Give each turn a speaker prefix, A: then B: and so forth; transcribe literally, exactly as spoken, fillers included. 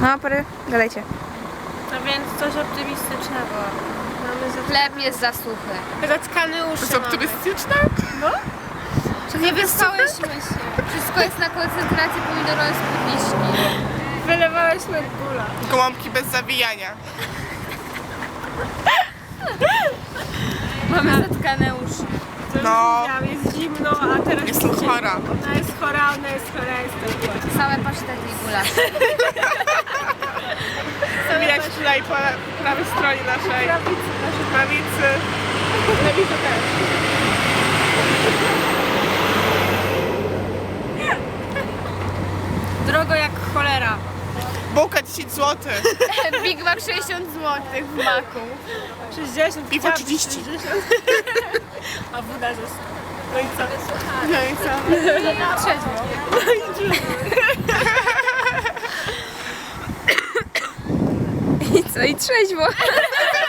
A: No, pory, gadajcie.
B: No więc coś optymistycznego. Mamy
A: Chleb jest za suchy.
B: zatkane uszy.
C: To jest optymistyczne?
B: Nie wyspałyśmy się.
A: Wszystko jest na koncentracji pomidorowej z wiśni.
B: Wylewałyśmy gula.
C: Gołąbki bez zawijania.
A: Mamy zatkane uszy.
C: No.
B: Jest zimno, a teraz
C: Jestem chora.
B: ona jest chora, ona jest chora, jestem chora.
A: Same pasztety i gulasz.
C: Widać tutaj po prawej stronie naszej prawicy. Lewicy też.
B: Drogo jak cholera.
C: Bułka dziesięć złotych.
A: Big Mac sześćdziesiąt złotych w maku.
B: sześćdziesiąt.
C: Piwo trzydzieści.
B: A woda została. No i co?
C: No i co?
A: Trzeźwo. I co? I trzeźwo.